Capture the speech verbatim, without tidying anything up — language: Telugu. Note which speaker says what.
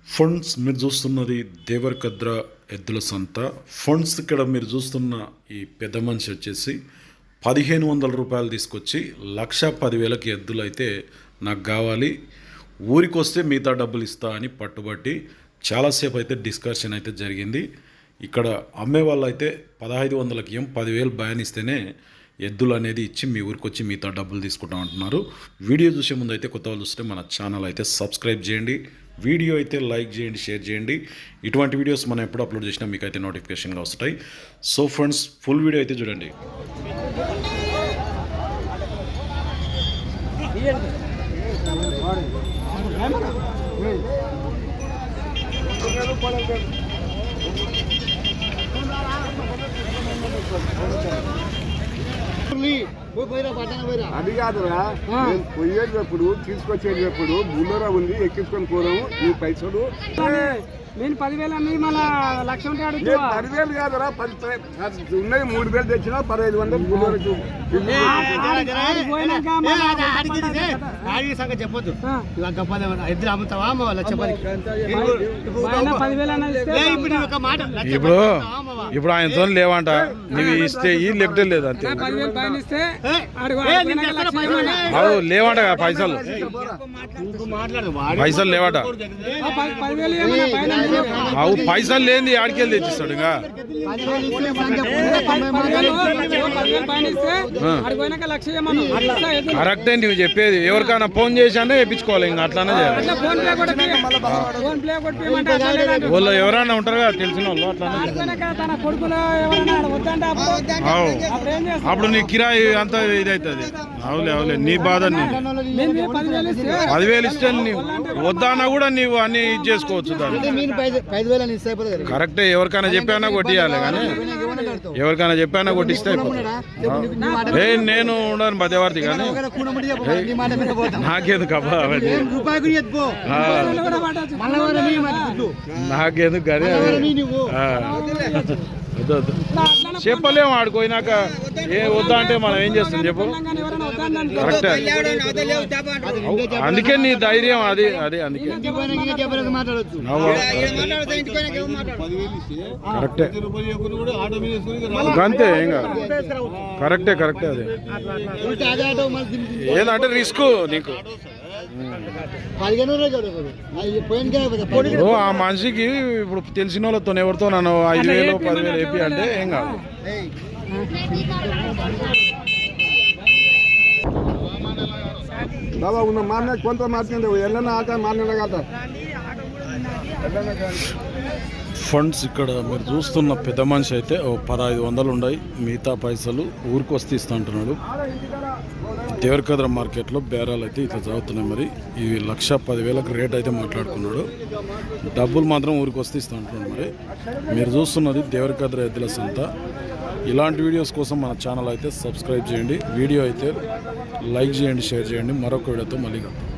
Speaker 1: ఫండ్స్ మీరు చూస్తున్నది దేవరకద్ర ఎద్దుల సంత. ఫండ్స్ ఇక్కడ మీరు చూస్తున్న ఈ పెద్ద మనిషి వచ్చేసి పదిహేను వందల రూపాయలు తీసుకొచ్చి లక్ష పదివేలకి ఎద్దులు అయితే నాకు కావాలి, ఊరికి వస్తే మిగతా డబ్బులు ఇస్తా అని పట్టుబట్టి చాలాసేపు అయితే డిస్కషన్ అయితే జరిగింది. ఇక్కడ అమ్మే వాళ్ళు అయితే పదహైదు వందలకి ఏం పదివేలు భయానిస్తేనే ఎద్దులు అనేది ఇచ్చి మీ ఊరికి వచ్చి మిగతా డబ్బులు తీసుకుంటాం అంటున్నారు. వీడియో చూసే ముందు అయితే కొత్త వాళ్ళు చూస్తే మన ఛానల్ అయితే సబ్స్క్రైబ్ చేయండి, వీడియో అయితే లైక్ చేయండి, షేర్ చేయండి. ఇటువంటి వీడియోస్ మనం ఎప్పుడు అప్లోడ్ చేసినా మీకు అయితే నోటిఫికేషన్గా వస్తాయి. సో ఫ్రెండ్స్, ఫుల్ వీడియో అయితే చూడండి.
Speaker 2: అది కాదురా, పోయేటప్పుడు తీసుకొచ్చేటప్పుడు బుల్లరా ఉంది, ఎక్కించుకొని పోదాము. నీ పైసలు
Speaker 3: నేను పదివేలు అన్ని మళ్ళా లక్ష ఉంటే
Speaker 2: పదివేలు కాదురా, పది ఉన్నది మూడు వేలు తెచ్చినా పదహైదు వందలు బుల్లరకు
Speaker 3: చెప్పొద్దు. ఇద్దరు అమ్ముతావా
Speaker 1: ఇప్పుడు ఇప్పుడు ఆయనతో లేవంట, నువ్వు ఇస్తే ఈ లెఫ్ట్ లేదు అంతే.
Speaker 3: పదివేలు పైన ఇస్తే
Speaker 1: లేవంట పైసలు పైసలు లేవట.
Speaker 3: పదివేలు ఏమన్నా పైన
Speaker 1: అవు పైసలు లేని ఆడికెళ్ళి తెచ్చిస్తాడు. ఇంకా కరెక్టే నువ్వు చెప్పేది. ఎవరికైనా ఫోన్ చేశానే వేయించుకోవాలి, ఇంకా అట్లానే చేయాలి. వాళ్ళు ఎవరైనా ఉంటారు కదా తెలిసిన వాళ్ళు, అట్లానే. అప్పుడు నీ కిరాయి అంతా ఇది అవుతుంది. అవులే అవులే నీ బాధ. పదివేలు ఇస్తే వద్దానా కూడా నీవు అన్ని ఇది చేసుకోవచ్చు. దాన్ని కరెక్టే. ఎవరికైనా చెప్పానా కొట్టియాలి, కానీ ఎవరికైనా చెప్పానా కొట్టిస్తే ఏ నేను ఉండను మధ్యవర్తి, కానీ నాకేందుకు అబ్బా నాకేందుకు కానీ చెప్పలేము. ఆడుకోయినాక ఏ వద్దా అంటే మనం ఏం చేస్తాం చెప్పు. కరెక్టే. అందుకే నీ ధైర్యం అది అది అందుకే కరెక్టే. అంతే ఇంకా కరెక్టే కరెక్టే. అది ఏదంటే రిస్క్ నీకు. ఆ మనిషికి ఇప్పుడు తెలిసిన వాళ్ళతో ఎవరితో నన్ను ఐదు వేలు పదివేలు వేపి అంటే ఏం కాదు.
Speaker 2: బాబా ఉన్న మాన్న కొంత మార్చింది ఎల్లన్నా ఆట మాన్న కదా.
Speaker 1: ఫండ్స్ ఇక్కడ మీరు చూస్తున్న పెద్ద మనిషి అయితే ఓ పదహైదు వందలు ఉన్నాయి, మిగతా పైసలు ఊరికి వస్తే ఇస్తా అంటున్నాడు. దేవరకద్ర మార్కెట్లో బేరాలు అయితే ఇట్లా జరుగుతున్నాయి. మరి ఇవి లక్ష పదివేలకు రేట్ అయితే మాట్లాడుకున్నాడు. డబ్బులు మాత్రం ఊరికి వస్తే ఇస్తా అంటున్నాడు. మరి మీరు చూస్తున్నది దేవరకద్ర ఎద్దుల సంత. ఇలాంటి వీడియోస్ కోసం మన ఛానల్ అయితే సబ్స్క్రైబ్ చేయండి, వీడియో అయితే లైక్ చేయండి, షేర్ చేయండి. మరొక వీడియోతో మళ్ళీ